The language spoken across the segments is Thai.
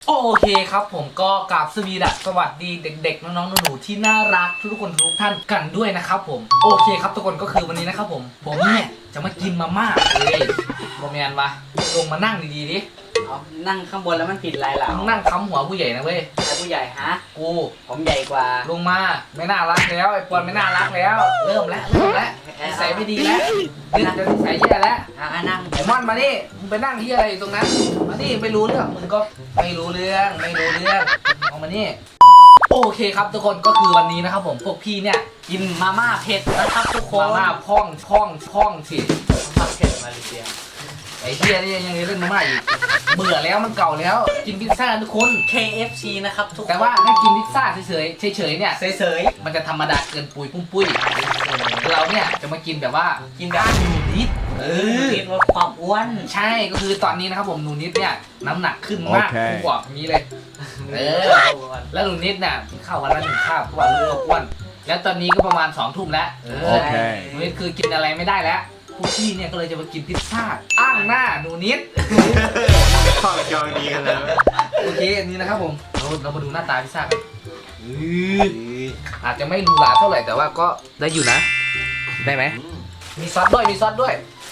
โอเคครับผมก็กราบสวัสดีเด็กๆน้องๆหนูๆที่น่ารักทุกคนทุกท่านกันด้วยนะครับผมโอเคครับทุกคนก็คือวันนี้นะครับผมเนี่ยจะมากินมาม่าโรแมนวะลงมานั่งดีๆดิเอานั่งข้างบนแล้วมันผิดอะไรล่ะนั่งค้ำหัวผู้ใหญ่นะเว้ยใครผู้ใหญ่ฮะกูผมใหญ่กว่าลงมาไม่น่ารักแล้วไอ้ปอนไม่น่ารักแล้วเริ่มแล้วนิสัยไม่ดีแล้วนิสัยแย่แล้วนั่งไอ้มอนมานี่มึงไปนั่งที่อะไรอยู่ตรงนั้นมานี่ไม่รู้เรื่องมึงก็ไม่รู้เรื่องเอามานี่โอเคครับทุกคนก็คือวันนี้นะครับผมพวกพี่เนี่ยกินมาม่าเผ็ดนะครับทุกคนมาม่าพ่องสิมาม่าเผ็ดมาเลเซียไอ้เหี้ยนี่ยังเล่นมาม่าอีกเบื่อแล้วมันเก่าแล้วกินพิซซ่าทุกคน KFC นะครับทุกคนแต่ว่าถ้ากินพิซซ่าเฉยเนี่ยเฉยมันจะธรรมดาเกินปุ้ยเราเนี่ยจะมากินแบบว่ากินแบบหนูนิดนิดลดความอ้วนใช่ก็คือตอนนี้นะครับผมหนูนิดเนี่ยน้ำหนักขึ้นมากผมบอกอย่างนี้เลยแล้วหนูนิดเนี่ยข้าววันละ1 คาบทุกวันเลิกอ้วนแล้วตอนนี้ก็ประมาณ2 ทุ่มแล้วหนูนิดคือกินอะไรไม่ได้แล้วพวกพี่เนี่ยก็เลยจะมากินพิซซ่าอ้างหน้าหนูนิดข้าวจองดีกันแล้วโอเคอันนี้นะครับผมเรามาดูหน้าตาพิซซ่ากันอาจจะไม่ดูหราเท่าไหร่แต่ว่าก็ได้อยู่นะได้ไหมมีซอสด้วยมีซอส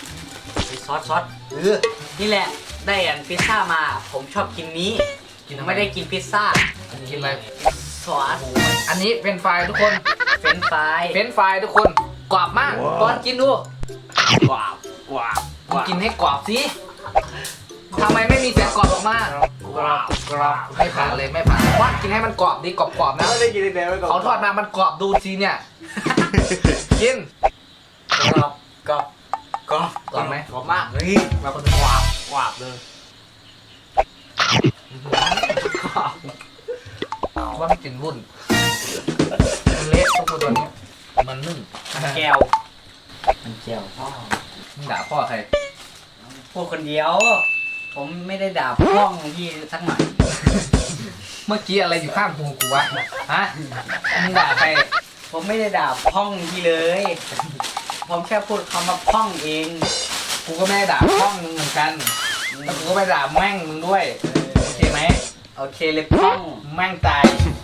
นี่แหละได้อันพิซซ่ามาผมชอบกินนี้ไม่ได้กินพิซซ่ากินอะไรซอสอันนี้เป็นไฟทุกคนเป็นไฟทุกคนกรอบมากตอนกินดูกรอบกินให้กรอบสิทำไมไม่มีเสียงกรอบออกมากรอบไม่ผ่านเลยไม่ผ่านว่ากินให้มันกรอบดีกรอบนะไม่ได้กินแต่ไม่กรอบเขาทอดมามันกรอบดูสิเนี่ยกินกรอบไหมกรอบมากเฮ้ยมาคนกรอบเลยว่ามันกินวุ่นมันเละทุกคนตัวนี้มันนึ่งแก้วพ่อมึงด่าพ่อใครพูดคนเดียวผมไม่ได้ด่าพ่องพี่สักหน่อยเมื่อกี้อะไรอยู่ข้างหูกูวะฮะมึงด่าใครผมไม่ได้ด่าพ่องพี่เลยผมแค่พูดคำว่าพ่องเองกูก็ไม่ได้ด่าพ่องมึงเหมือนกันแล้วกูก็ไม่ด่าแม่งมึงด้วยโอเคไหมโอเคเลยพ่องแม่งตาย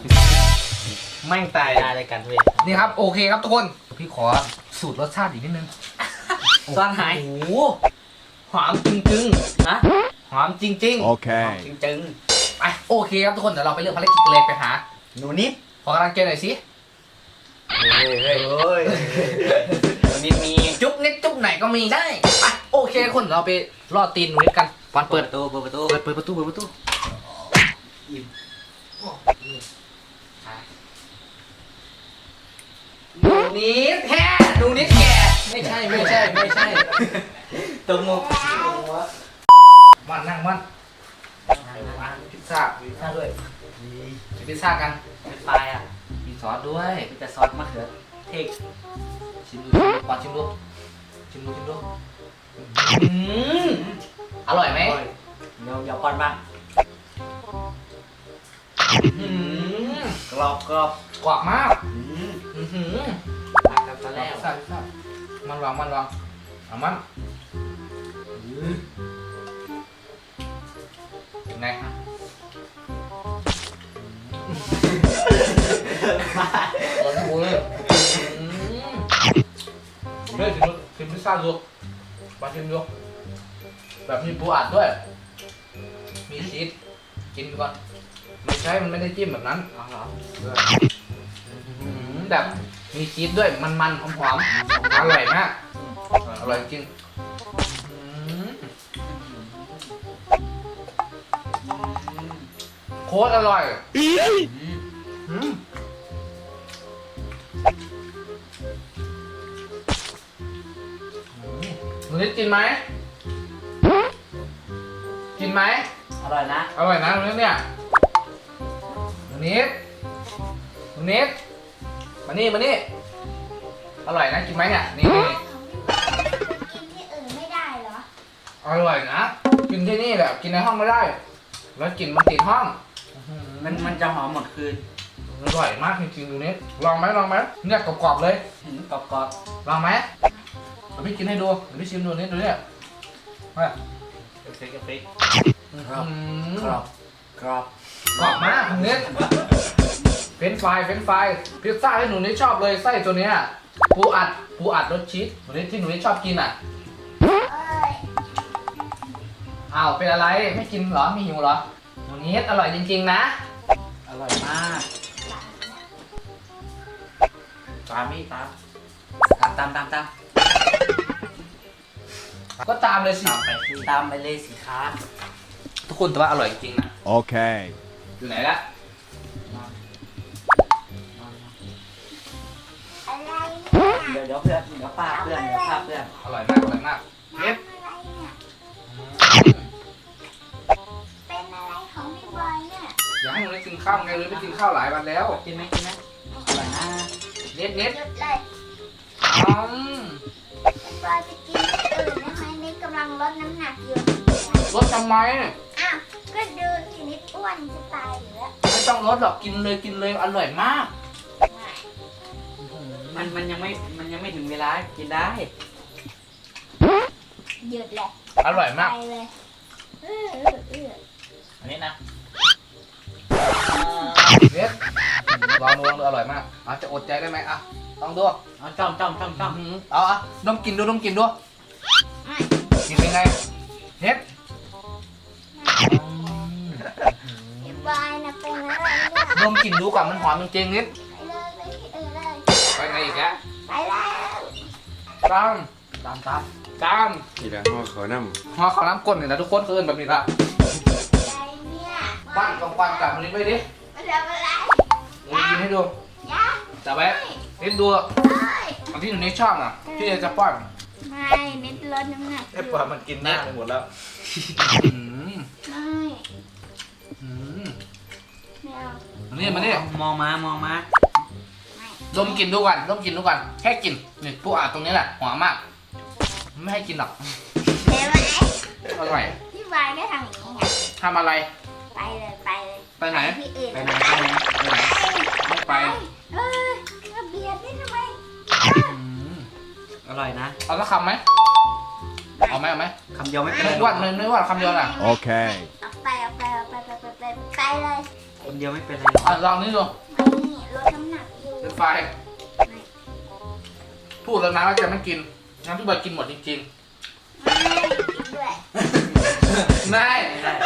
อะไรกันเว้ยนี่ครับโอเคครับทุกคนพี่ขอสูตรรสชาติอีกนิดนึงซอนหายโอ้หอมจริงๆนะหอมจริงๆโอเคจริงๆไปโอเคครับทุกคนเดี๋ยวเราไปเริ่มภารกิจกันเลยไปหาหนูนิดขอกำลังใจหน่อยสิเฮ้ยหนูนิดมีจุ๊บนิดจุ๊บไหนก็มีได้ไปโอเคคนเราไปล่อตีนหนูนิดกันวันเปิดประตูหนูนิดแท้หนูนิดแก่ไม่ใช่ตรงมุกมันนั่งมันพิซซ่าด้วยพิซซ่ากันเป็นไฟอ่ะมีซอสด้วยมีแต่ซอสมะเขือเทศชิมดูอร่อยไหมเดี๋ยวก่อนบ้างกรอบมากรักกันซะแล้วมันวางเอามันยังไงโอ้โหเฮ้ยชิมพิซซ่าดูมาชิมดูแบบมีปูอัดด้วยมีชีสกินก่อนมันไม่ได้จิ้มแบบนั้นแบบมีชีสด้วยมันหอมอร่อยมากอร่อยจริงโคตรอร่อยหนูนิดกินไหมอร่อยนะหนูนิดเนี่ยหนูนิดมานี่อร่อยนะกินไหมเนี่ยนี่กินที่อื่นไม่ได้เหรออร่อยนะกินที่นี่แบบกินในห้องไม่ได้แล้วกลิ่นมันติดห้องมันจะหอมหมดคืนอร่อยมากจริงๆดูนี้ลองไหมเนี่ยกรอบๆเลยกรอบลองไหมเดี๋ยวพี่กินให้ดูเดี๋ยวพี่ชิมดูนี่ดูเนี่ยมากรอบกรอบมากหนูนิดเฟรนช์ฟรายพิซซ่าที่หนูนิดชอบเลยไส้ตัวเนี้ยปูอัดรสชีสหนูนิดที่หนูนิดชอบกินอ่ะเอ้ยอ้าวเป็นอะไรไม่กินเหรอไม่หิวเหรอหนูนิดอร่อยจริงๆนะอร่อยมาก ตามนี่ตามก็ตามเลยสิตามไปเลยสิคะทุกคนแต่ว่าอร่อยจริงๆนะ Okay. อยู่ไหนละอะไรเดี๋ยวเพื่อนเดี๋ยวป้าเพื่อนเดี๋ยวป้าเพื่อนอร่อยมากเฮ็ดอะไรเนี่ยเป็นอะไรของพี่บอยเนี่ยอยากให้หนูนิดกินข้าวไงเลยไม่กินข้าวหลายวันแล้วกินไหมอร่อยนะเน็ตหยุดเลยอืมพี่บอยจะกินอื่นได้ไหมนี่กำลังลดน้ำหนักอยู่ลดทำไมอ้าวก็ดูสินิดอ้วนจะตายอยู่แล้วไม่ต้องลดหรอกกินเลยอร่อยมากมันยังไม่ถึงเวลากินได้หยุดเลยอร่อยมากไปเลยเอออันนี้นะเน็ตลองดูอร่อยมากจะอดใจได้ไหมลองดูเอาจ้อมเอาดมกินดูกินเป็นไงเน็ตพี่บอยนะเป็นอะไรเนี่ยดมกินดูก่อนมันหอมจริงๆเน็ตไปเลยไปที่อื่นเลยไปไหนอีกแล้วไปแล้วตามทีละห้อเขาน้ห่อข้าวน้ำก้นเนี่ยนะทุกคนเอินแบบนี้ละอะไรเนี่ยปั้นกองปั้นกับมันนิดไปดิมาทำอะไรเดี๋ยวกินให้ดูยะจับไว้นิดดูเอ้ยอันที่หนูนิดชอบน่ะที่จะป้อนไม่นิดลดน้ำหนักอยู่มันกินหน้าไปหมดแล้วอืมไม่อืมไม่เอาอันนี้มาดิมองมาไม่ดมกินดูก่อนแค่กินนี่ผู้อ่านตรงนี้แหละหอมมากไม่ให้กินหรอกเห็นไหมอร่อยพี่บอยก็ทำอย่างนี้ไงทำอะไรไปเลยไปเลยไปไหนที่อื่นไปไหนไม่ไปเออมาเบียดนี่ทำไมอืมอร่อยนะเอาสักคำไหมเอาไหมคำเดียวไม่เป็นไรไม่อ้วนไม่อ้วนคำเดียวน่ะ Okay. เอาไปเลยคำเดียวไม่เป็นไรหรอกลองนี่ดูนี่ลดน้ำหนักอยู่เป็นไฟพูดแล้วนะว่าจะไม่กินงั้นพี่บอยกินหมดจริงด้วยๆไม่ไม่ได้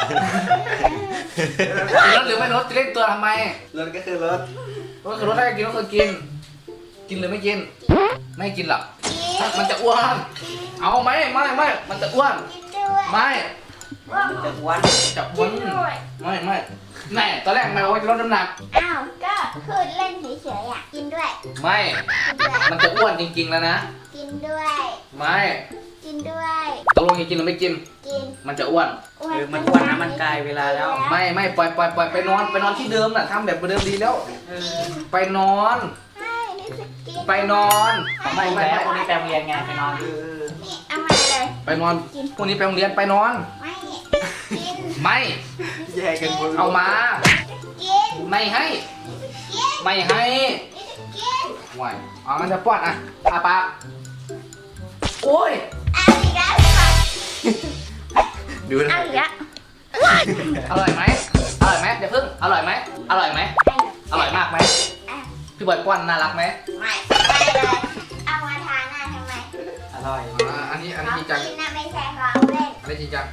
ลดหรือไม่ลดจะเล่นตัวทำไมรถก็คือรถก็คือลดได้กินก็คือกิน กินหรือไม่กิน ไม่กินหรอกกินมันจะอ้วน เอาไหมไม่มันจะอ้วนกินด้วยไม่ว่าจะอ้วนจะอ้วนไม่แน่ตอนแรกไม่บอกว่าจะลดน้ำหนักอ้าวก็พูดเล่นเฉยๆอ่ะกินด้วยไม่กินด้วยมันจะอ้วนจริงๆแล้วนะกินด้วยไม่กินด้วยตกลงจะกินหรือไม่กินกินมันจะอ้วนมันอ้วนนะมันกลายเวลาแล้วไม่ปล่อยไปนอนที่เดิมน่ะทำแบบเดิมดีแล้ว ไปนอนไม่นี่จะกินไปนอนไม่แล้วคนนี้แปลงเรียนไงไปนอนนี่เอามาเลยไปนอนพรุ่งนี้ไปโรงเรียนไปนอนไม่กินไม่แยกกันหมดเอามากินไม่ให้กินไม่ให้นี่จะกินไหวเอางั้นจะป้อนอาปากโอ้ยเอาอีกแล้วพี่บอยดูนะเอาอีกแล้วอร่อยไหมเดี๋ยวพึ่งอร่อยไหมอร่อยมากไหมพี่บอยป้อนน่ารักไหมไม่เลยเอามาทาหน้าทำไมอร่อยอันนี้ของจริงจังกินนะไม่ใช่ของเล่นอันนี้จริงจัง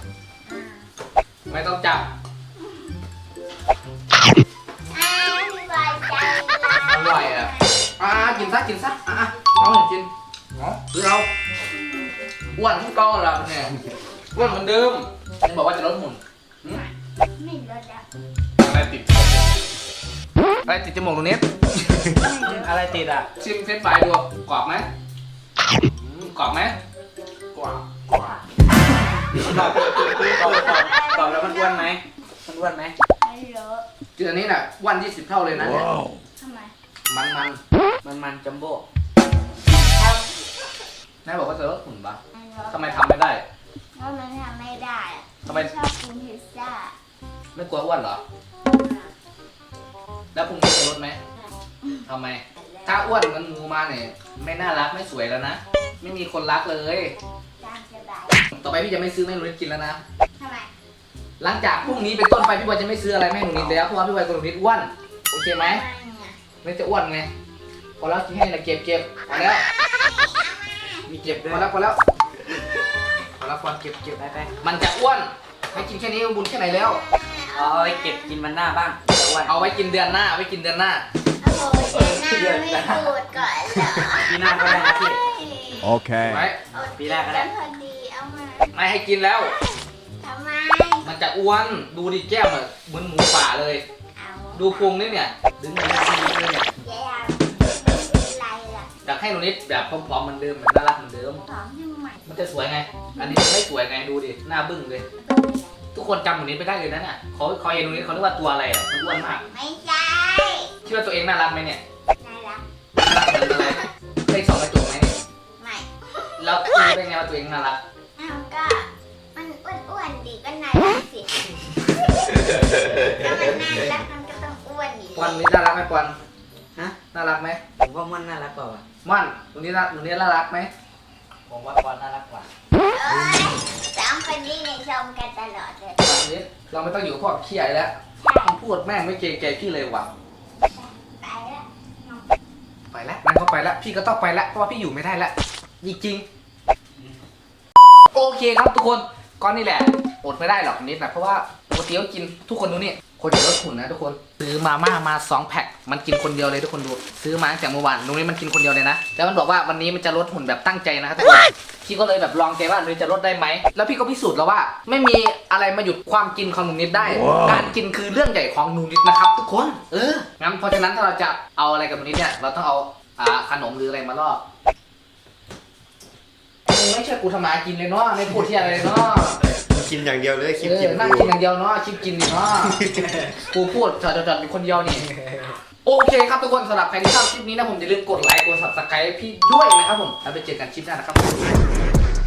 ไม่ต้องจับพี่บอยใจร้ายอร่อยกินซะเอาหน่อยกินหรือเอาอ้วนทั้งก้อนละเนี่ยอ้วนเหมือนเดิมยังบอกว่าจะลดหุ่นไม่ลดแล้วอะไรติดจมูกตรงนี้อะไรติดอ่ะชิมเฟรนช์ฟรายดูกรอบไหมกรอบไหมกรอบกรอบแล้วมันอ้วนไหมมันอ้วนไหมไม่ลดคืออันนี้น่ะวัน20 เท่าเลยนะเนี่ยทำไมมันจัมโบ้แม่บอกว่าจะลดหุ่นปะไม่ลดทำไมทำไม่ได้เพราะมันทำไม่ได้อะทำไมชอบกินพิซซ่าไม่กลัวอ้วนเหรอ แล้วพรุ่งนี้จะลดไหมทำไม ถ้าอ้วนเหมันงูมาเนี่ยไม่น่ารักไม่สวยแล้วนะ ไม่มีคนรักเลยตามสบายต่อไปพี่จะไม่ซื้อให้หนูกินแล้วนะทำไมหลังจากพรุ่งนี้เป็นต้นไปพี่บอยจะไม่ซื้ออะไรให้หนูนิดแล้วเพราะว่าพี่บอยกับหนูนิดอ้วนโอเคไหมไม่จะอ้วนไงพอแล้วกินให้นะเก็บพอแล้วมีเก็บด้วพยอแล้วพอแล้วเก็บไปมันจะอ้วนให้กินแค่นี้บุญแค่ไหนแล้วเอาไว้เก็บกินมันหน้าบ้างจะอ้วนเอาไว้กินเดือนหน้าโอ้โหเดือนหน้าไม่พูดก่อนเหรอปีหน้าก็ได้นะพี่ Okay. ไว้ปีแรกก็ได้พอดีเอามาไม่ให้กินแล้วทำไมมันจะอ้วนดูดิแก้มเหมือนหมูป่าเลยเอาดูพุงนี่เนี่ยดึงมันหน้าบ้างเลยเนี่ยแย่เป็นไรล่ะอยากให้หนูนิดแบบผอมๆเหมือนเดิมเหมือนน่ารักเหมือนเดิมพร้อมทำไมมันจะสวยไง อันนี้ไม่สวยไงดูดิหน้าบึ้งเลย ทุกคนจำหนูนิดไม่ได้เลยนะเนี่ยเขาเห็นหนูนิดเขาคิดว่าตัวอะไรอ่ะมันอ้วนมากไม่ใช่คิดว่าตัวเองน่ารักไหมเนี่ยน่ารักน่ารักเหมือนอะไรเลข 2กระจุกไหมเนี่ยไม่แล้วรู้ได้ไงว่าตัวเองน่ารักอ้าวก็มันอ้วนๆดีก็น่ารักสิถ้ามันน่ารักมันก็ต้องอ้วนอยู่ปอนนี้น่ารักไหมปอนฮะน่ารักไหมผมว่ามันน่ารักกว่าว่ะม่อนหนูนิดน่ารักไหมผมว่าบอลน่ารักกว่าเอ้ยสองคนนี้ในชมกันตลอดเลยหนูนิดเราไม่ต้องอยู่กับพวกขี้ใหญ่แล้วมันพูดแม่งไม่เกรงใจพี่เลยว่ะไปแล้วไปแล้วมันก็ไปแล้วพี่ก็ต้องไปแล้วเพราะว่าพี่อยู่ไม่ได้แล้วจริงๆโอเคครับทุกคนก้อนนี่แหละอดไม่ได้หรอกนิดนะเพราะว่าปกติก็กินทุกคนดูนี่คนเดียวลดหุ่นนะทุกคนซื้อมาม่ามา2 แพ็คมันกินคนเดียวเลยทุกคนดูซื้อมาตั้งแต่เมื่อวานตรงนี้มันกินคนเดียวเลยนะแล้วมันบอกว่าวันนี้มันจะลดหุ่นแบบตั้งใจนะครับทุกคนพี่ก็เลยแบบลองใจว่าหนูจะลดได้ไหมแล้วพี่ก็พิสูจน์แล้วว่า ไม่มีอะไรมาหยุดความกินของหนูนิดได้ การกินคือเรื่องใหญ่ของหนูนิดนะครับทุกคนงั้นเพราะฉะนั้นถ้าเราจะเอาอะไรกับหนูนิดเนี่ยเราต้องเอาขนมหรืออะไรมาล่อมึงไม่ช่วยกูทำมากินเลยเนาะไม่พูดที่อะไรเลยเนาะกินอย่างเดียวเลยคลิปกินนั่งกินอย่างเดียวเนาะคลิปกินนี่เนาะ กูพูดจอดอยู่คนเดียวนี่ โอเคครับทุกคนสำหรับใครที่ชอบคลิปนี้นะผมอย่าลืมกดไลค์กด subscribe พี่ด้วยนะครับผมแล้วไปเจอกันคลิปหน้านะครับ